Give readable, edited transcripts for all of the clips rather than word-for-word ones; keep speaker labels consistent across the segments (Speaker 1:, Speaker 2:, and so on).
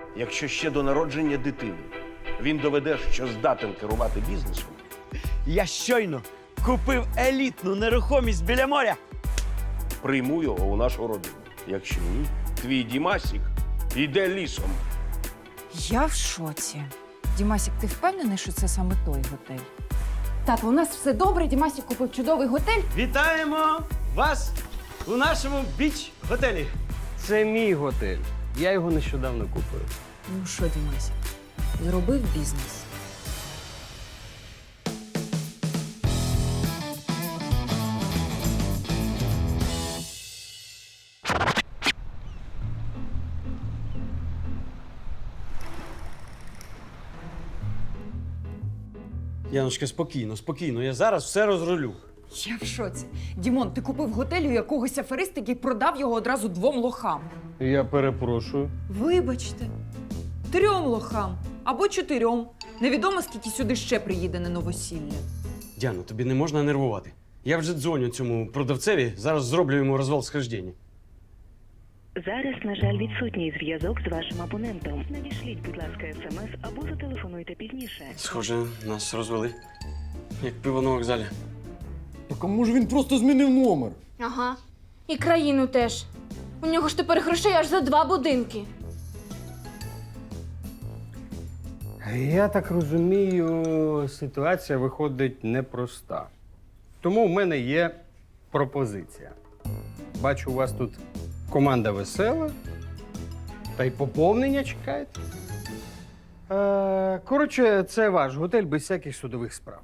Speaker 1: якщо ще до народження дитини він доведе, що здатен керувати бізнесом,
Speaker 2: Я щойно купив елітну нерухомість біля моря.
Speaker 1: прийму його у нашу родину. Якщо ні, твій Дімасік йде лісом.
Speaker 3: Я в шоці. Дімасік, ти впевнений, що це саме той готель?
Speaker 4: Тато, у нас все добре. Дімасік купив чудовий готель.
Speaker 2: Вітаємо вас у нашому біч-готелі.
Speaker 5: Це мій готель. Я його нещодавно купив.
Speaker 3: Ну що, Дімасік, зробив бізнес?
Speaker 2: Яночка, спокійно, спокійно. Я зараз все розрулю.
Speaker 3: Я в шоці. Дімон, ти купив готель у якогось афериста, який продав його одразу 2 лохам.
Speaker 5: Я перепрошую.
Speaker 3: Вибачте, 3 лохам або 4. Невідомо, скільки сюди ще приїде на новосілля.
Speaker 2: Діано, тобі не можна нервувати. Я вже дзвоню цьому продавцеві, зараз зроблю йому розвал схождення.
Speaker 6: Зараз, на жаль, відсутній зв'язок з вашим абонентом. Надішліть, будь ласка, смс або зателефонуйте пізніше.
Speaker 2: Схоже, нас розвели. Як пиво на вокзалі.
Speaker 7: Так а може він просто змінив номер?
Speaker 4: Ага. І країну теж. У нього ж тепер грошей аж за 2 будинки.
Speaker 5: Я так розумію, ситуація виходить непроста. Тому в мене є пропозиція. Бачу, у вас тут команда весела, та й поповнення чекаєте. Коротше, це ваш готель без всяких судових справ.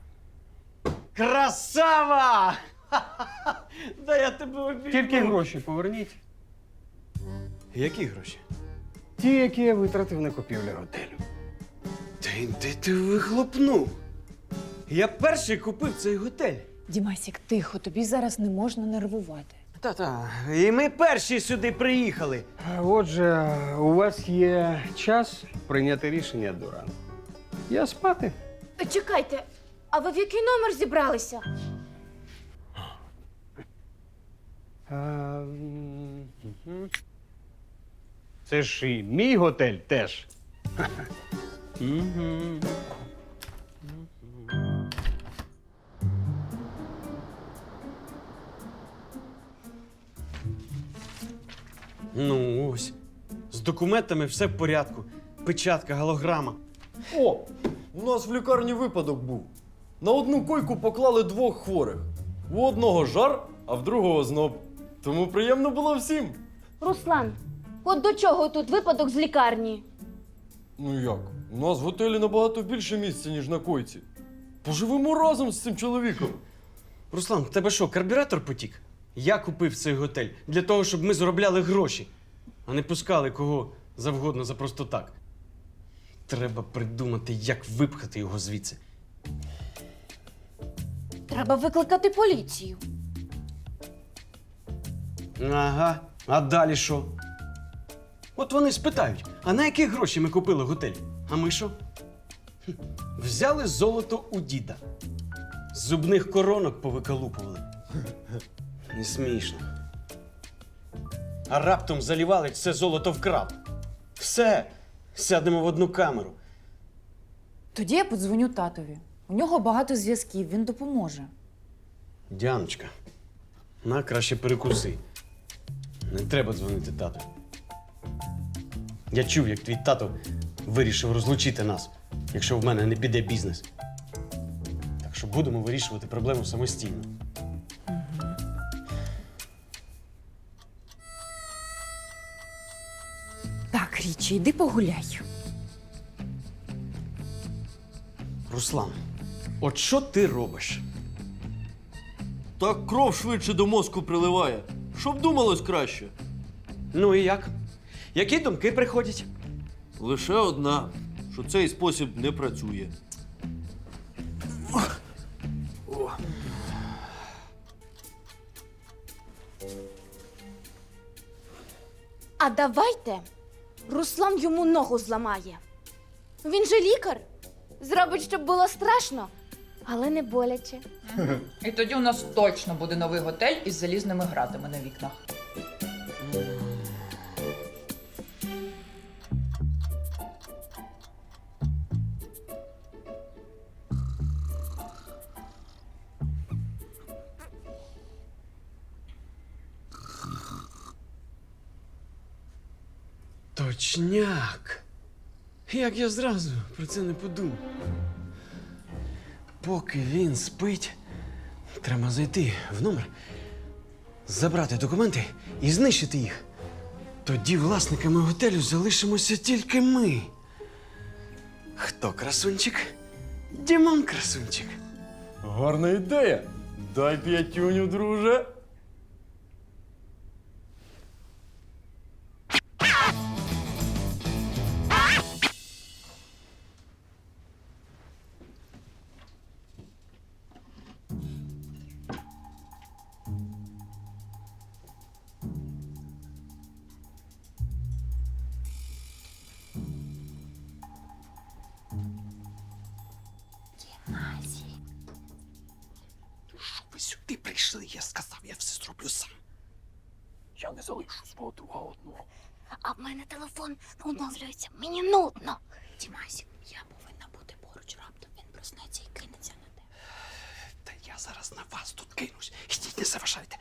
Speaker 2: Красава! Да я тебе обійму.
Speaker 5: Тільки гроші поверніть.
Speaker 2: Які гроші?
Speaker 5: Ті, які я витратив на купівлю готелю.
Speaker 2: Де ти вихлопнув? Я перший купив цей готель.
Speaker 3: Дімасік, тихо, тобі зараз не можна нервувати.
Speaker 2: Та-та. І ми перші сюди приїхали.
Speaker 5: Отже, у вас є час прийняти рішення до ранку. Я спати.
Speaker 4: Чекайте, а ви в який номер зібралися?
Speaker 5: Мгм. Це ж і мій готель теж. Мгм.
Speaker 2: Ну ось. З документами все в порядку. Печатка, голограма.
Speaker 7: О, у нас в лікарні випадок був. На одну койку поклали 2 хворих. У одного жар, а в другого зноб. Тому приємно було всім.
Speaker 4: Руслан, от до чого тут випадок з лікарні?
Speaker 7: Ну як? У нас в готелі набагато більше місця, ніж на койці. Поживемо разом з цим чоловіком.
Speaker 2: Руслан, в тебе що, карбюратор потік? Я купив цей готель для того, щоб ми заробляли гроші, а не пускали кого завгодно за просто так. Треба придумати, як випхати його звідси.
Speaker 4: Треба викликати поліцію.
Speaker 2: Ага, а далі що? От вони спитають, а на які гроші ми купили готель? А ми що? Хм, взяли золото у діда. З зубних коронок повиколупували. Не смішно. А раптом Залівалич все золото вкрав. Все, сядемо в одну камеру.
Speaker 3: Тоді я подзвоню татові. У нього багато зв'язків, він допоможе.
Speaker 2: Діаночка, на краще перекуси. Не треба дзвонити тату. Я чув, як твій тато вирішив розлучити нас, якщо в мене не піде бізнес. Так що будемо вирішувати проблему самостійно.
Speaker 3: Так, Річі, йди погуляй.
Speaker 2: Руслан, от що ти робиш?
Speaker 7: Так кров швидше до мозку приливає. Щоб думалось краще.
Speaker 2: Ну і як? Які думки приходять?
Speaker 7: Лише одна, що цей спосіб не працює.
Speaker 4: А давайте Руслан йому ногу зламає. Він же лікар. Зробить, щоб було страшно, але не боляче.
Speaker 3: І тоді у нас точно буде новий готель із залізними гратами на вікнах.
Speaker 2: Точняк. Як я зразу про це не подумав. Поки він спить, треба зайти в номер, забрати документи і знищити їх. Тоді власниками готелю залишимося тільки ми. Хто красунчик? Дімон красунчик.
Speaker 7: Гарна ідея. Дай п'ятюню, друже.
Speaker 2: Що ви сюди прийшли? Я сказав, я все зроблю сам.
Speaker 1: Я не залишу свого друга одного.
Speaker 4: А в мене телефон оновлюється. Мені нудно.
Speaker 8: Дімасік, я повинна бути поруч, раптом він проснеться і кинеться на тебе.
Speaker 2: Та я зараз на вас тут кинусь. Ідіть, не заважайте.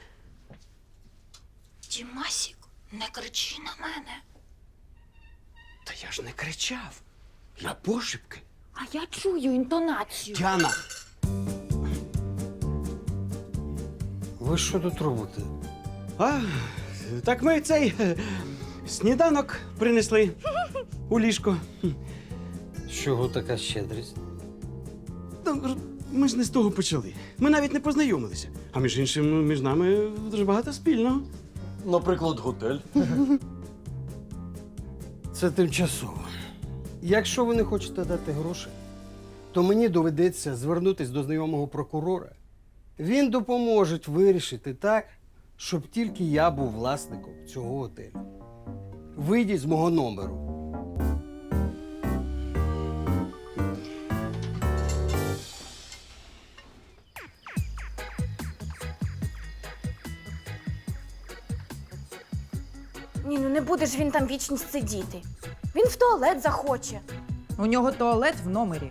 Speaker 8: Дімасік, не кричи на мене.
Speaker 2: Та я ж не кричав. Я пошепки.
Speaker 8: А я чую інтонацію.
Speaker 2: Діана!
Speaker 5: Ви що тут робите?
Speaker 2: А, так ми цей сніданок принесли у ліжко.
Speaker 5: З чого така щедрість?
Speaker 2: Та, ми ж не з того почали. Ми навіть не познайомилися. А між іншим, між нами дуже багато спільного.
Speaker 7: Наприклад, готель.
Speaker 5: Це тимчасово. Якщо ви не хочете дати гроші, то мені доведеться звернутися до знайомого прокурора. Він допоможе вирішити так, щоб тільки я був власником цього готелю. Вийдіть з мого номеру.
Speaker 4: Ні, ну не буде ж він там вічність сидіти. Він в туалет захоче.
Speaker 3: У нього туалет в номері.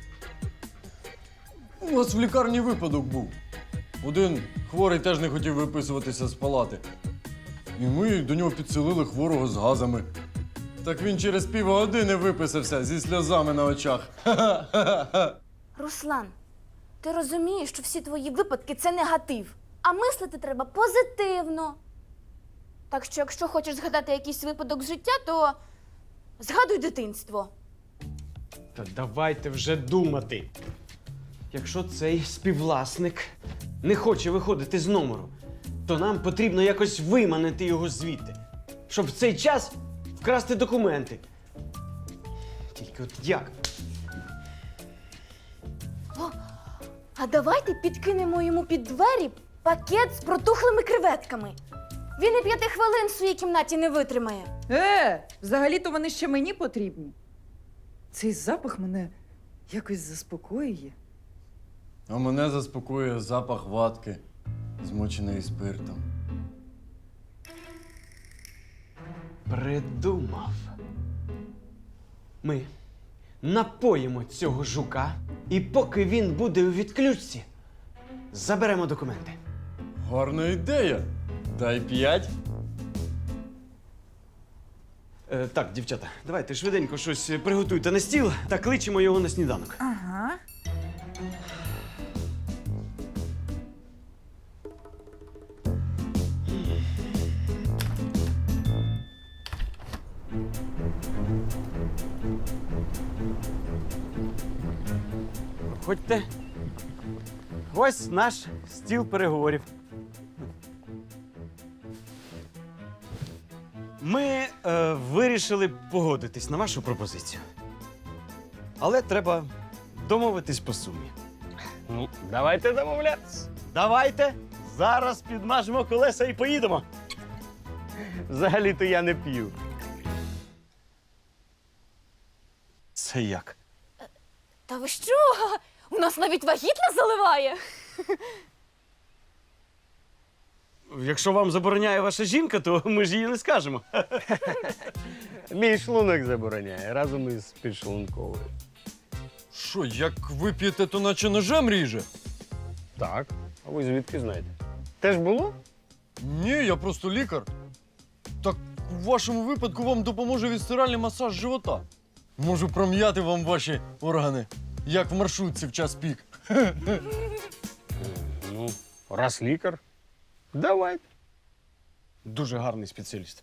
Speaker 7: У нас в лікарні випадок був. Один хворий теж не хотів виписуватися з палати. І ми до нього підселили хворого з газами. Так він через півгодини виписався зі сльозами на очах.
Speaker 4: Руслан, ти розумієш, що всі твої випадки це негатив. А мислити треба позитивно. Так що, якщо хочеш згадати якийсь випадок з життя, то згадуй дитинство.
Speaker 2: Та давайте вже думати. Якщо цей співвласник не хоче виходити з номеру, то нам потрібно якось виманити його звідти, щоб в цей час вкрасти документи. Тільки от як?
Speaker 4: А давайте підкинемо йому під двері пакет з протухлими креветками. Він і 5 хвилин в своїй кімнаті не витримає.
Speaker 3: Взагалі-то вони ще мені потрібні. Цей запах мене якось заспокоює.
Speaker 7: А мене заспокоює запах ватки, змоченої спиртом.
Speaker 2: Придумав. Ми напоїмо цього жука, і поки він буде у відключці, заберемо документи.
Speaker 7: Гарна ідея. Дай 5.
Speaker 2: Так, дівчата, давайте швиденько щось приготуйте на стіл та кличемо його на сніданок.
Speaker 3: Ага.
Speaker 2: Ходьте. Ось наш стіл переговорів. Ми вирішили погодитись на вашу пропозицію. Але треба домовитись по сумі.
Speaker 5: Ну, давайте домовлятися.
Speaker 2: Давайте зараз підмажемо колеса і поїдемо.
Speaker 5: Взагалі-то я не п'ю.
Speaker 2: Це як?
Speaker 4: Та ви що? У нас навіть вагітна заливає.
Speaker 2: Якщо вам забороняє ваша жінка, то ми ж її не скажемо.
Speaker 5: Мій шлунок забороняє разом із підшлунковою.
Speaker 7: Що, як вип'єте, то наче ножем ріже?
Speaker 5: Так. А ви звідки знаєте? Теж було?
Speaker 7: Ні, я просто лікар. Так в вашому випадку вам допоможе відстиральний масаж живота. Можу пром'яти вам ваші органи, як в маршрутці в час пік.
Speaker 2: Ну, раз лікар. Давайте. Дуже гарний спеціаліст.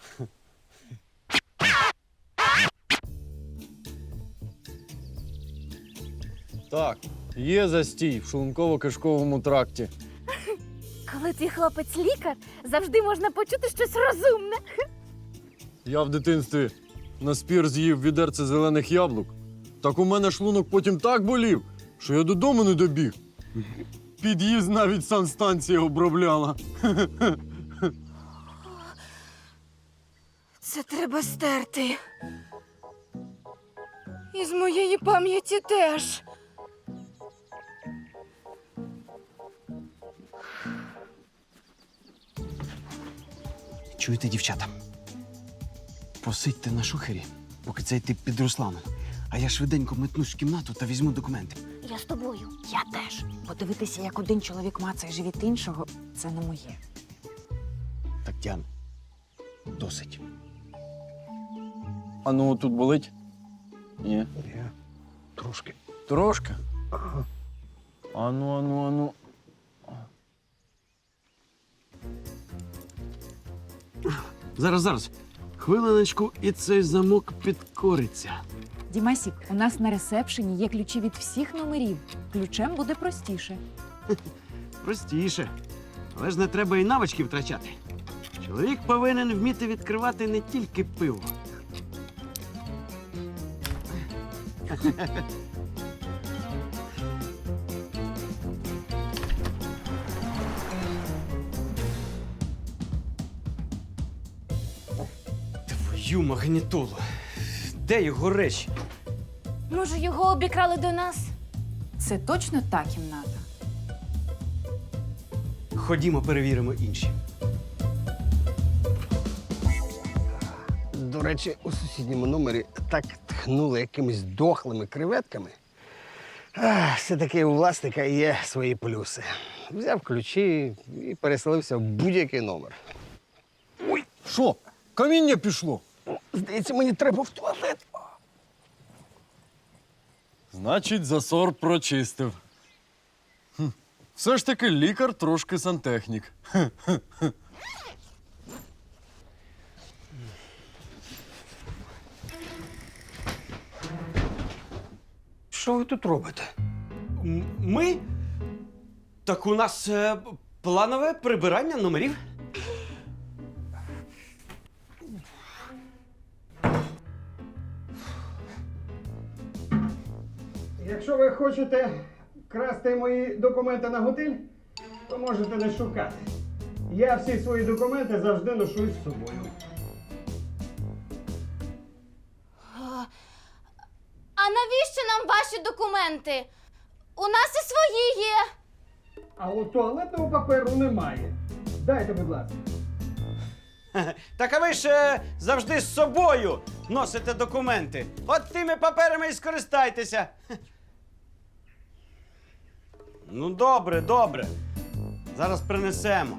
Speaker 7: Так, є застій в шлунково-кишковому тракті.
Speaker 4: Коли твій хлопець лікар, завжди можна почути щось розумне.
Speaker 7: Я в дитинстві на спір з'їв відерце зелених яблук. Так у мене шлунок потім так болів, що я додому не добіг. Під'їзд навіть санстанція обробляла.
Speaker 4: Це треба стерти. І з моєї пам'яті теж.
Speaker 2: Чуєте, дівчата? Посидьте на шухері, поки цей тип під Русланом. А я швиденько метнусь в кімнату та візьму документи.
Speaker 8: Я з тобою. Я теж. Подивитися, як один чоловік мацає живіт іншого, це не моє.
Speaker 2: Так, Діан, досить.
Speaker 7: А ну тут болить? Ні.
Speaker 2: Трошки.
Speaker 7: Трошки? Ану.
Speaker 2: Зараз. Хвилиночку, і цей замок підкориться.
Speaker 3: Дімасік, у нас на ресепшені є ключі від всіх номерів. Ключем буде простіше.
Speaker 2: Простіше. Але ж не треба і навички втрачати. Чоловік повинен вміти відкривати не тільки пиво. Твою магнітолу. Де його речі?
Speaker 4: Може, його обікрали до нас?
Speaker 3: Це точно та кімната.
Speaker 2: Ходімо, перевіримо інші.
Speaker 5: До речі, у сусідньому номері так тхнули якимись дохлими креветками. Все-таки у власника є свої плюси. Взяв ключі і переселився в будь-який номер.
Speaker 7: Що? Каміння пішло?
Speaker 5: Здається, мені треба в туалет.
Speaker 7: Значить, засор прочистив. Все ж таки лікар трошки сантехнік.
Speaker 5: Що ви тут робите?
Speaker 2: Ми? Так у нас планове прибирання номерів.
Speaker 5: Якщо ви хочете красти мої документи на готель, то можете не шукати. Я всі свої документи завжди ношу із собою.
Speaker 4: А навіщо нам ваші документи? У нас і свої є.
Speaker 5: А от туалетного паперу немає. Дайте, будь ласка.
Speaker 2: Так а ви ж завжди з собою носите документи. От тими паперами і скористайтеся. Ну, добре. Зараз принесемо.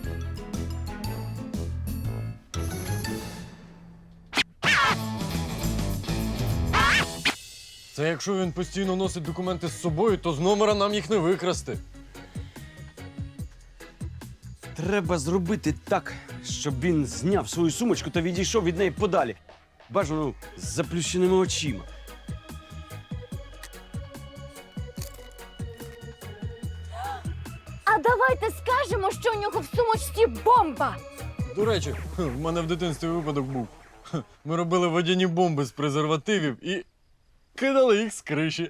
Speaker 7: Це якщо він постійно носить документи з собою, то з номера нам їх не викрасти.
Speaker 2: Треба зробити так, щоб він зняв свою сумочку та відійшов від неї подалі. Бажано з заплющеними очима.
Speaker 4: А давайте скажемо, що у нього в сумочці бомба.
Speaker 7: До речі, в мене в дитинстві випадок був. Ми робили водяні бомби з презервативів і кидали їх з криші.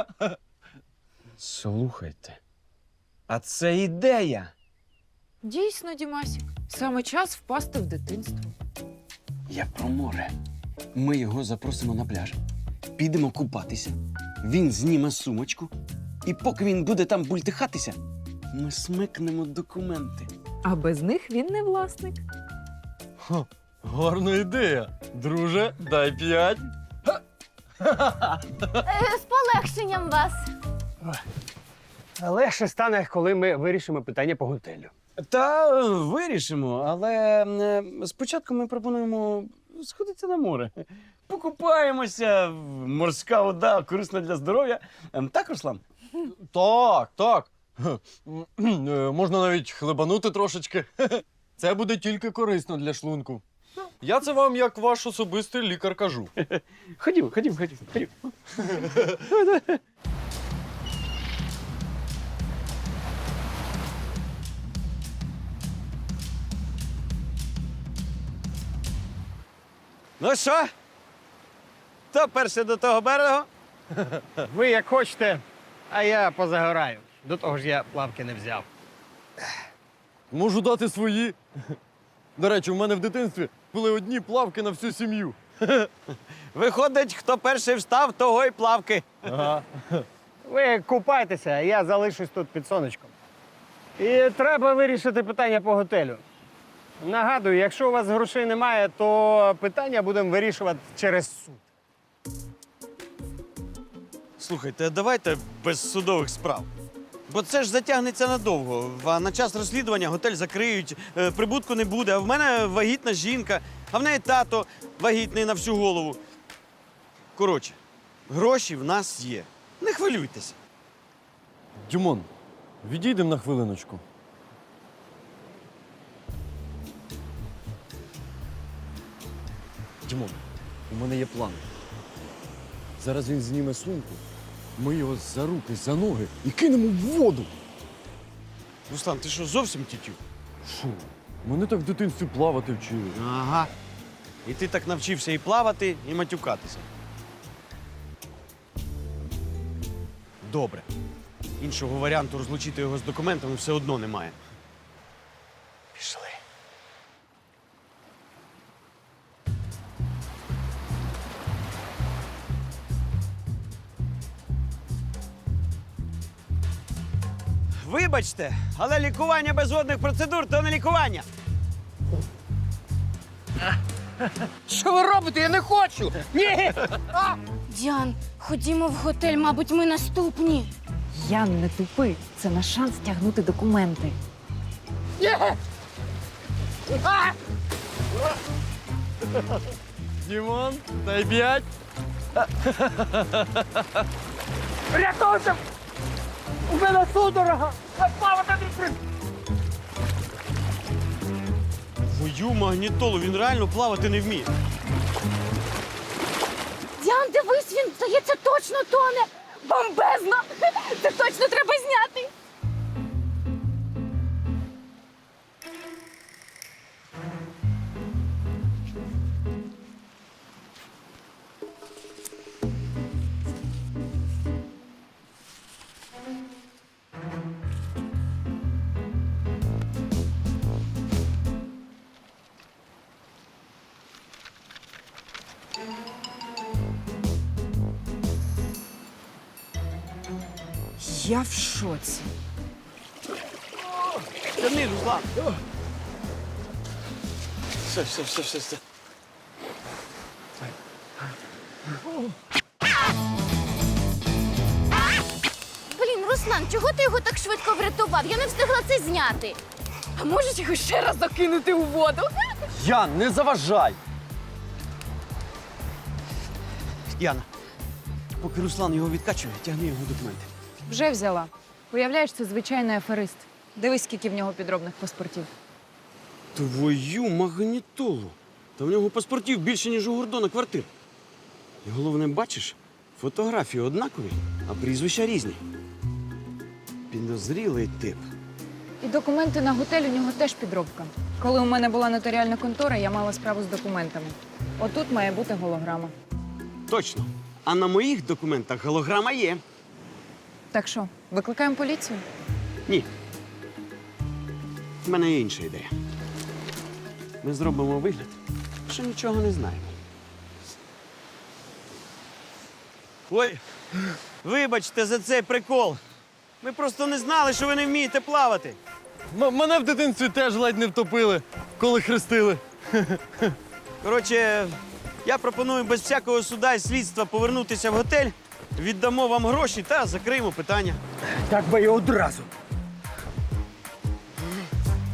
Speaker 2: Слухайте, а це ідея.
Speaker 3: Дійсно, Дімасік, саме час впасти в дитинство.
Speaker 2: Я про море. Ми його запросимо на пляж. Підемо купатися. Він зніме сумочку. І поки він буде там бультихатися, ми смикнемо документи.
Speaker 3: А без них він не власник.
Speaker 7: Гарна ідея. Друже, дай 5.
Speaker 4: З полегшенням вас.
Speaker 5: Легше стане, коли ми вирішимо питання по готелю.
Speaker 2: Та вирішимо, але спочатку ми пропонуємо сходити на море. Покупаємося, морська вода корисна для здоров'я. Так, Руслан?
Speaker 7: Так, так. Можна навіть хлебанути трошечки. Це буде тільки корисно для шлунку. Я це вам як ваш особистий лікар кажу.
Speaker 2: Ходімо. Ну що? Хто перший до того берегу?
Speaker 5: Ви як хочете, а я позагораю. До того ж я плавки не взяв.
Speaker 7: Можу дати свої. До речі, у мене в дитинстві були одні плавки на всю сім'ю.
Speaker 2: Виходить, хто перший встав, того й плавки.
Speaker 5: Ви купайтеся, а я залишусь тут під сонечком. І треба вирішити питання по готелю. Нагадую, якщо у вас грошей немає, то питання будемо вирішувати через суд.
Speaker 2: Слухайте, давайте без судових справ. Бо це ж затягнеться надовго. А на час розслідування готель закриють, прибутку не буде. А в мене вагітна жінка, а в неї тато вагітний на всю голову. Коротше, гроші в нас є. Не хвилюйтеся.
Speaker 7: Дімон, відійдемо на хвилиночку. Дімон, у мене є план. Зараз він зніме сумку, ми його за руки, за ноги і кинемо в воду.
Speaker 2: Руслан, ти що, зовсім тютю?
Speaker 7: Фу, мене так в дитинстві плавати вчили.
Speaker 2: Ага. І ти так навчився і плавати, і матюкатися. Добре. Іншого варіанту розлучити його з документами все одно немає. Пішли. Вибачте, але лікування без водних процедур то не лікування.
Speaker 5: Що ви робите? Я не хочу! Ні!
Speaker 4: Діан, ходімо в готель, мабуть, ми наступні.
Speaker 8: Ян, не тупи. Це наш шанс тягнути документи.
Speaker 7: Дімон, дай 5.
Speaker 5: Рятуйте! У мене судорога! Плавати не
Speaker 2: Твою магнітолу, він реально плавати не вміє.
Speaker 4: Діан, дивись, він, здається, точно тоне. Бомбезно! Це точно треба зняти.
Speaker 8: Я в шоці.
Speaker 2: Тягни, Руслан. Все.
Speaker 4: Блін, Руслан, чого ти його так швидко врятував? Я не встигла це зняти. А можеш його ще раз закинути у воду?
Speaker 7: Ян, не заважай!
Speaker 2: Яна, поки Руслан його відкачує, тягни його документи.
Speaker 8: Вже взяла. Уявляєш, це звичайний аферист. Дивись, скільки в нього підробних паспортів.
Speaker 2: Твою магнітолу. Та в нього паспортів більше, ніж у Гордона квартир. І головне, бачиш, фотографії однакові, а прізвища різні. Підозрілий тип.
Speaker 8: І документи на готель у нього теж підробка. Коли у мене була нотаріальна контора, я мала справу з документами. Отут має бути голограма.
Speaker 2: Точно. А на моїх документах голограма є.
Speaker 8: Так що, викликаємо поліцію?
Speaker 2: Ні. В мене є інша ідея. Ми зробимо вигляд, що нічого не знаємо. Ой, вибачте за цей прикол. Ми просто не знали, що ви не вмієте плавати.
Speaker 7: Мене в дитинстві теж ледь не втопили, коли хрестили.
Speaker 2: Коротше, я пропоную без всякого суда і слідства повернутися в готель, віддамо вам гроші та закриємо питання.
Speaker 5: Так би і одразу.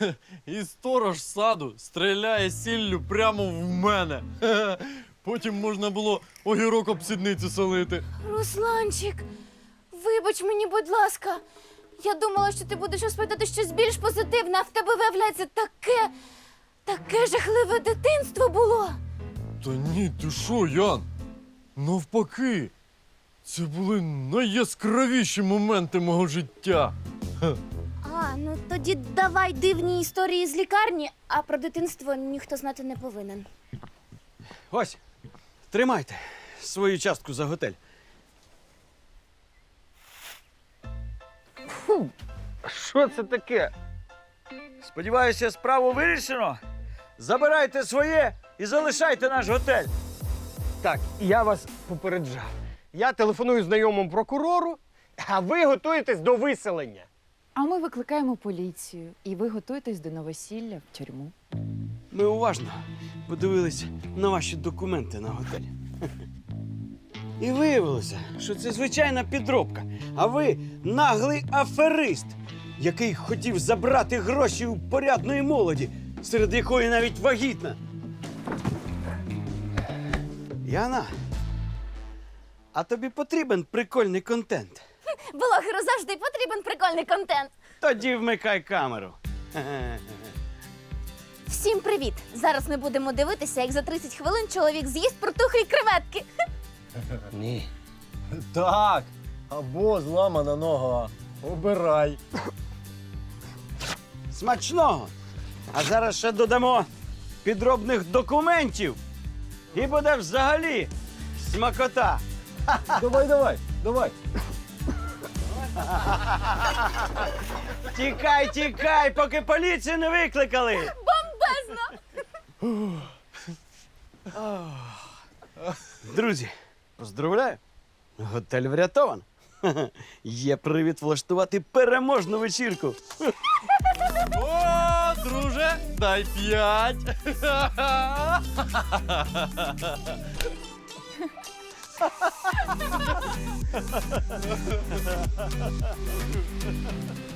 Speaker 7: І сторож саду стріляє сіллю прямо в мене. Потім можна було огірок об сідницю солити.
Speaker 4: Русланчик, вибач мені, будь ласка. Я думала, що ти будеш розповідати щось більш позитивне, а в тебе виявляється таке жахливе дитинство було.
Speaker 7: Та ні, ти що, Ян? Навпаки, це були найяскравіші моменти мого життя.
Speaker 4: А, ну тоді давай дивні історії з лікарні, а про дитинство ніхто знати не повинен.
Speaker 2: Ось, тримайте свою частку за готель.
Speaker 5: Що це таке?
Speaker 9: Сподіваюся, справу вирішено. Забирайте своє і залишайте наш готель.
Speaker 5: Так, я вас попереджав. Я телефоную знайомому прокурору, а ви готуєтесь до виселення.
Speaker 8: А ми викликаємо поліцію, і ви готуєтесь до новосілля в тюрму.
Speaker 2: Ми уважно подивились на ваші документи на готель. І виявилося, що це звичайна підробка. А ви наглий аферист, який хотів забрати гроші у порядної молоді, серед якої навіть вагітна. Яна, а тобі потрібен прикольний контент?
Speaker 4: Блогеру завжди потрібен прикольний контент.
Speaker 2: Тоді вмикай камеру.
Speaker 4: Всім привіт! Зараз ми будемо дивитися, як за 30 хвилин чоловік з'їсть протухлі креветки.
Speaker 5: Ні.
Speaker 7: Так, або зламана нога. Обирай.
Speaker 2: Смачного! А зараз ще додамо підробних документів. І буде взагалі смакота.
Speaker 7: Давай.
Speaker 2: Тікай, поки поліцію не викликали.
Speaker 4: Бомбезно!
Speaker 2: Друзі, поздравляю! Готель врятован. Є привід влаштувати переможну вечірку.
Speaker 7: О, друже, дай 5.